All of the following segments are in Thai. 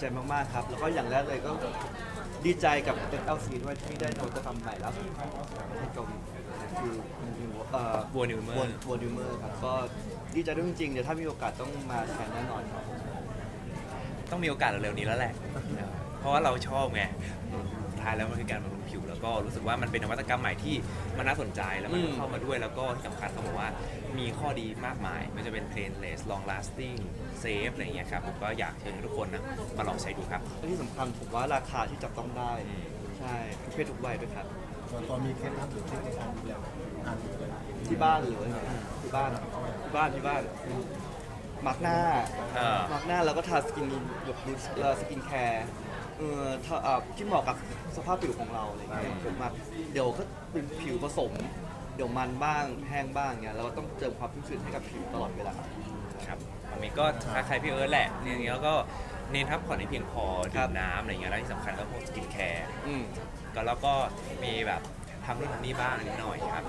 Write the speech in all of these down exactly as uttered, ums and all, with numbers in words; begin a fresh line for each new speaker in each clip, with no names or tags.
ใจมากๆครับแล้วก็อย่างแรกเลยก็ดีใจกับ เอส แอล ซี ด้วยที่ได้นวัตกรรมใหม่แล้วประเทศเกาหลีคือเอ่อ
บัวนิวเมอร์
บัวนิวเมอร์ครับก็ดีใจด้วยจริงๆเดี๋ยวถ้ามีโอกาสต้องมาแข่งแน่นอนครับ
ต้องมีโอกาสเร็วๆนี้แล้วแหละ เพราะว่าเราชอบไงท้ายแล้วมันคือการบำรุงผิว แล้วก็รู้สึกว่ามันเป็นนวัตกรรมใหม่ที่มันน่าสนใจแล้วมันเข้ามาด้วยแล้วก็ที่สำคัญเขาบอกว่ามีข้อดีมากมายไม่ว่าจะเป็น painless long lasting safe อะไรอย่างเงี้ยครับผมก็อยากเชิญทุกคนนะมาลองใช้ดูครับ
และที่สำคัญผมว่าราคาที่จับต้องได้
อืม
ใช่ทุกเพศทุกวัยด้วยครับ
ส่วนตัวมีเคล็ดลับหรือเทคนิคการดูแลอ่านเลย
ที่บ้านหรือว่าไงที่บ้านที่บ้านที่บ้านมาร์กหน้า
เออ
มาร์กหน้าแล้วก็ทาสกินแบบดูสกินแคร์เออถ้าเอ่อที่เหมาะกับสภาพผิวของเราอะไรเงี้ยผมมาเดี๋ยวก็เป็นผิวผสม เดี๋ยวมันบ้างแห้งบ้างเงี้ยเราก็ต้องเติมความชุ่มชื้นให้กับผิวตลอดเวลา
ครับอันนี้ก็คล้ายๆพี่เอิร์ธแหละเนี่ยอย่างเงี้ยแล้วก็เน้นพักผ่อนให้เพียงพอ
ครั
ดื่
บ
มน้ำอะไรเงี้ยแล้วที่สำคัญก็พวกสกินแคร์
อืม
ก็แล้วก็มีแบบทำนู่นทำนี่บ้างนิดหน่อยครับ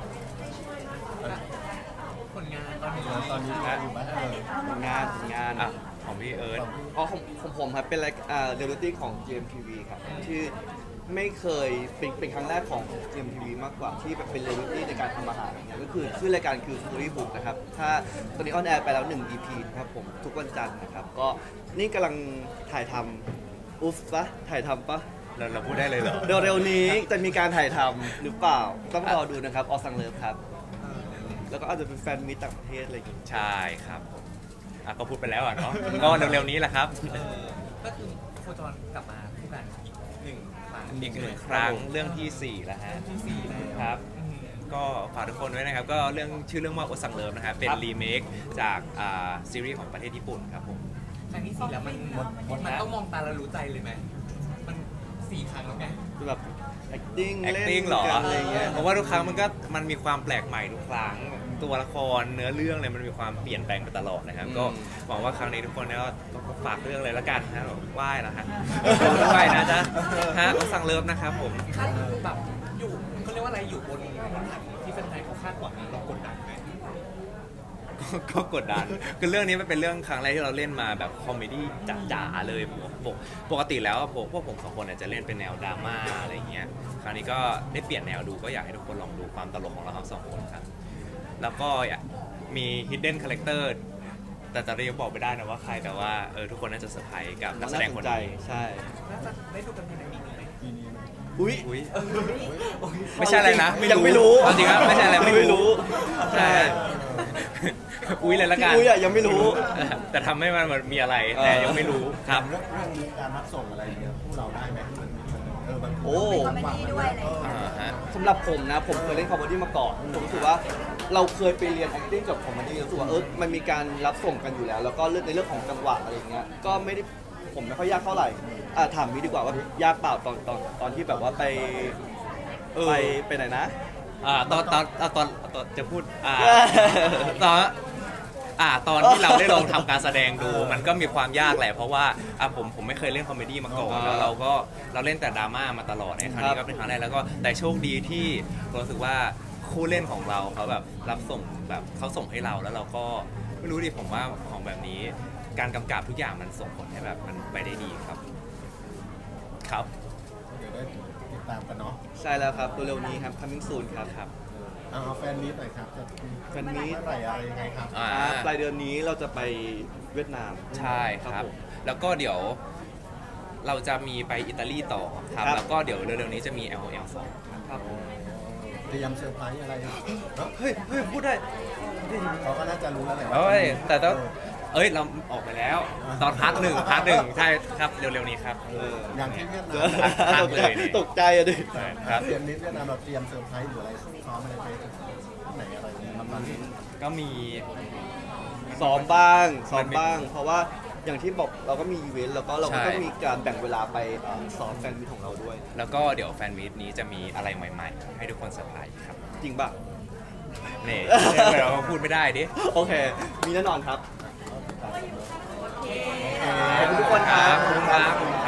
ผลงานตอนนี้
ตอนนี้อยู่บ้านเลย
งานงาน
อ่ะของพี่เอิร์ธ
อ๋อของของผมครับเป็นรายอ่าเรียลลิตี้ของ จี เอ็ม ที วี ครับที่ไม่เคยเป็นเป็นครั้งแรกของ จี เอ็ม ที วี มากกว่าที่แบบเป็นเรียลลิตี้ในการทำอาหารอย่างเงี้ยก็คือชื่อรายการคือ Story Book นะครับถ้าตอนนี้ออนแอร์ไปแล้วหนึ่ง อี พี นะครับผมทุกวันจันทร์นะครับก็นี่กำลังถ่ายทำอุ๊ฟปะถ่ายทำปะ
เราเราพูดได้เลยเหรอ
เร็วๆนี้จะมีการถ่ายทำหรือเปล่าต้องรอดูนะครับออสังเลิฟครับแล้วก็อาจจะเป็นแฟนมิตรต่างประเทศอะไรอย่างเงี้ย
ใช่ครับผมอ่ะก็พูดไปแล้วอ่ะเนาะก็เร็วๆนี้แหละครับ
เออก็คือโคจรกลับมาคู่กันอีกหนึ่งครั้ง
อีกหนึ่งครั้งเรื่องที่สี่แล้วฮะ
ที่สี่แล้ว
ครับ
อืม
ก็ฝากทุกคนไว้นะครับ ก็เรื่องชื่อเรื่องว่าโอซังเลิฟนะครับ เป็นรีเมคจากอ่าซีรีส์ของประเทศญี่ปุ่นครับผม
ครั้งที่สี่แล้วมันมันต้องมองตาแล้วรู้ใจเลยไหมมันสี่ครั้งแล้วไง
คือแบบ acting เล่น
acting เหรอ
กันอะไรอย่างเงี้ย
เพราะว่าทุกครั้งมันก็มันมีความแปลกใหม่ทุกครั้ง ตัวละครเนื้อเรื่องเลยมันมีความเปลี่ยนแปลงไปตลอดนะครับ ก็หวังว่าครั้งนี้ทุกคนเนี่ยก็ก็ฝากเรื่องเลยละกันนะไหว้แล้วฮะไหว้นะจ๊ะฮะโอซังเลิฟนะครับผม
คาดแบบอยู่เขาเรียกว่าอะไรอยู่บนบนฐานที่แฟนไทยเขาคาดหวังเรากดดันไหม
ก็ก็กดดัน คือเรื่องนี้มันเป็นเรื่องครั้งแรกที่เราเล่นมาแบบคอมเมดี้จ๋าๆเลยปกปกติแล้วผมพวกผมสองคนเนี่ยจะเล่นเป็นแนวดราม่าอะไรอย่างเงี้ย คราวนี้ก็ได้เปลี่ยนแนวดูก็อยากให้ทุกคนลองดูความตลกของเราทั้งสองคนครับ แล้วก็มี hidden character แต่ตอนนี้ยังบอกไม่ได้นะว่าใคร แต่ว่าเออทุกคนน่าจะเซอร์ไพรส์กับนักแสดงคน
ใจ
นี้
ใช่
น่าจะได้ดูกันภายในปีนี้ไหม
ปีนี้
อุ้ย
อุ้ยไม่ใช่อะไรนะ
ยังไม่รู้
เอาจริงครับไม่ใช่อะไรไม่
ไม่รู้
รู้ใช่อุ้ยเลยละกัน
ที่อุ้ยอะยังไม่รู้
แต่ทำให้มันมีอะไรแต่ยังไม่รู้ครับ
เรื่องเรื่องนี้การรับส่งอะไรเนี่ยพวกเราได้ไหมมันเออมัน
โอ้
คอมเมดี้ด้วยอะไรอย่างเงี้ย
อ่าฮะ
สำหรับผมนะ ผมเคยเล่นคอมเมดี้มาก่อน ผมรู้สึกว่าเราเคยไปเรียน acting กับคอมเมดี้รู้สึกว่าเออมันมีการรับส่งกันอยู่แล้ว แล้วก็เรื่องในเรื่องของจังหวะอะไรอย่างเงี้ยก็ไม่ได้ผมไม่ค่อยยากเท่าไหร่อ่ะถามวิดีกว่าว่ายากเปล่าตอนตอนตอนที่แบบว่าไป
เออ
ไปไปไหนนะ
อ่าตอนตอนตอนตอนตอนจะพูดอ่าตอนอ่าตอนที่เราได้ลองทำการแสดงดู มันก็มีความยากแหละเพราะว่าอ่ะผมผมไม่เคยเล่นคอมเมดี้มาก่อนแล้วเราก็เราเล่นแต่ดราม่ามาตลอดในครั้งนี้ก็เป็นครั้งแรกแล้วก็แต่โชคดีที่รู้สึกว่าคู่เล่นของเราเขาแบบรับส่งแบบเขาส่งให้เราแล้วเราก็ไม่รู้ดิผมว่าของแบบนี้ การกำกับทุกอย่างมันส่งผลให้แบบมันไปได้ดีครับ ครับ
เดี๋ยวได้ติดตามกันเนาะ
ใช่แล้วครับตัวเร็วนี้ครับ coming soon ครับ
ครับ
เอาเอาแฟนมีตหน่อยครับจะมี
แฟนมีต
เมื่อไหร่อะไรยังไงครับ
อ่า
อ่าปลายเดือนนี้เราจะไปเวียดนาม
ใช่ครับ
ผม
แล้วก็เดี๋ยวเราจะมีไปอิตาลีต่อครับ
ครับ
แล้วก็เดี๋ยวเร็วๆนี้จะมี แอล แอล สอง
ครับ
เตรียมเซอร์ไพรส์อะไรเนาะ
เฮ้ยเฮ้ยพูดได้
เขาก็น่าจะรู้แล้วแหละว่า
เอ้ย แต่ต้อง
เออ
เอ้ย เราออกไปแล้ว ตอนพาร์ทหนึ่งพาร์ทหนึ่งใช่ครับ เร็วๆนี้ครับ
เออ
อย่างที่เวียดนาม
พัก
ตก
เล
ใจ
ยนี่
ตกใจอะดิ
ครับ
เตรียมนิดเวียดนามเราเตรียมเซอร์ไพรส์หรืออะไรซ้อมอะไรไปที่ไหนอะไรเนี่ยประมาณนี้
ก็มี
ซ้อมบ้างซ้อ
มั
ม
นไม่
บ้าง เพราะว่าอย่างที่บอกเราก็มีอีเวนต์แล้วก็เราก็
ใช่
ต้องมีการแบ่งเวลาไปเอ่อซ้อมแฟนมิตของเราด้วย
แล้วก็เดี๋ยวแฟนมีตนี้จะมีอะไรใหม่ๆ ให้ทุกคนเซอร์ไพรส์ครับ
จริงป่ะ
นี่เราพูดไม่ได้ดิ
โอเค มีแน่นอนครับ
ติดตามกันเนอะ
ขอบคุณทุกคนครับ
ขอบคุณครับ